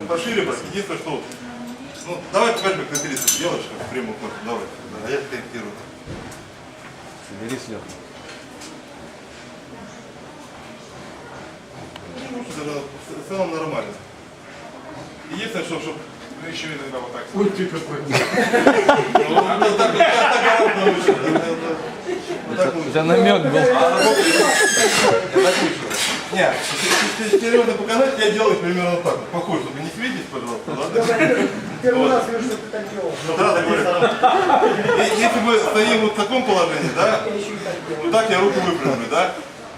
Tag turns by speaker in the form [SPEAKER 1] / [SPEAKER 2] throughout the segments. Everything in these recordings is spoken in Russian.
[SPEAKER 1] пошире брать. Единственное, что... Ну, давай покажем, как ты рисуешь. Делаешь, как прямую кнопку. Давай. Да, я корректирую.
[SPEAKER 2] Соберись, Леха.
[SPEAKER 1] В целом нормально. Единственное, чтобы...
[SPEAKER 3] Ну еще иногда вот так.
[SPEAKER 2] Ой, ты какой. Это намек был.
[SPEAKER 1] Нет, если серьезно показать, я делаю примерно так. Похоже, только не светись, пожалуйста, ладно?
[SPEAKER 4] Первый раз вижу, что ты так делал.
[SPEAKER 1] Да, говорю. Если мы стоим вот в таком положении, да, вот так я руку выпрямлю, да?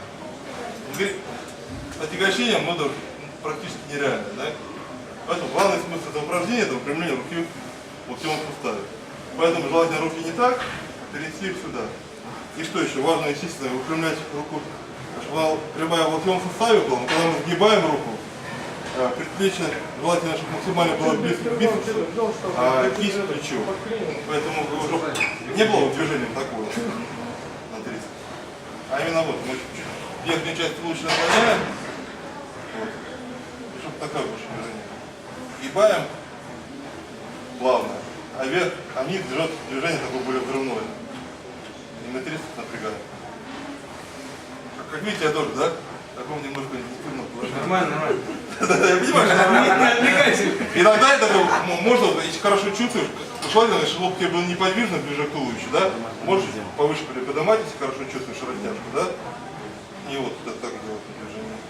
[SPEAKER 1] Отягощение мода практически нереально, да? Поэтому главный смысл этого упражнения — это выпрямление руки в локтевом суставе. Поэтому желательно руки не так, перенести их сюда. И что еще? Важно, естественно, выпрямлять руку, чтобы прямая в локтевом суставе была. Но когда мы сгибаем руку, предплечье желательно, чтобы максимально было близко к бицепсу, а кисть к плечу. Поэтому уже не было движения такого на 30. А именно вот, мы чуть-чуть верхнюю часть лучше наклоняем. Вот. И чтобы такое больше движение. Гибаем плавно, а вверх, а вниз идет движение такое более взрывное. И на 30 напрягаем. Как видите, я тоже, да? В таком немножко интенсивном положении.
[SPEAKER 3] Нормально, нормально.
[SPEAKER 1] Я понимаю, что нормально. Иногда это можно, если хорошо чувствуешь, желательно, чтобы лоб тебе был неподвижно ближе к туловищу, да? Можешь повыше приподнимать, если хорошо чувствуешь растяжку, да? И вот это так делать движение.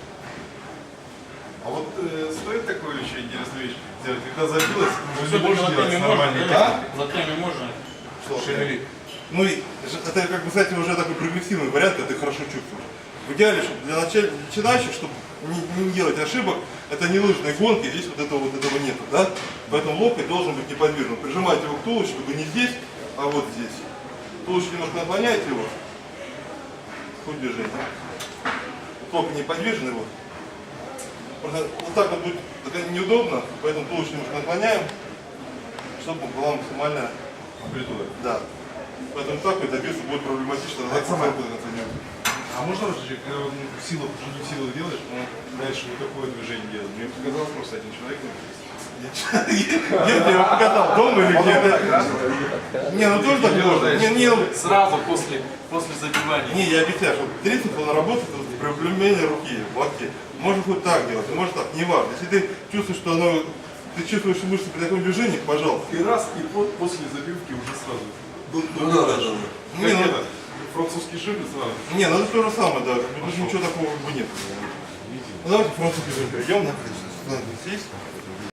[SPEAKER 3] А вот стоит такую еще интересную вещь сделать, когда забилось, уже не можешь делать нормально.
[SPEAKER 1] Да?
[SPEAKER 5] Локтями можно
[SPEAKER 3] Шевелить.
[SPEAKER 1] Ну и это как бы, кстати, уже такой прогрессивный вариант, когда ты хорошо чувствуешь. В идеале, чтобы для начинающих, чтобы не делать ошибок, это не лыжные гонки, здесь вот этого нету, да? Поэтому локоть должен быть неподвижным. Прижимайте его к туловищу, чтобы не здесь, а вот здесь. Туловище немножко наклоняете его, хоть движение. Локоть неподвижный, вот. Вот так вот будет неудобно, поэтому туловище немножко наклоняем, чтобы была максимальная амплитуда. Да. Поэтому так вот добиться будет проблематично.
[SPEAKER 3] А можно разжечь, когда в силах делаешь, дальше вот такое движение делать? Мне показалось просто один человек.
[SPEAKER 1] Где ты его показал? Дома или где? Не, ну тоже так можно.
[SPEAKER 5] сразу после забивания.
[SPEAKER 1] Не, я объясняю, что трицепс он работает с проблемением руки в локте. Можно хоть так делать, может так, не важно. Если ты чувствуешь, что ты чувствуешь мышцы при таком движении, пожалуйста.
[SPEAKER 3] И раз, и после забивки уже сразу.
[SPEAKER 1] Да. Не, ну,
[SPEAKER 3] французский шип и сразу.
[SPEAKER 1] не, ну это то же самое, да. Тут ничего такого как бы нет. Ну давайте французский перейдем, здесь.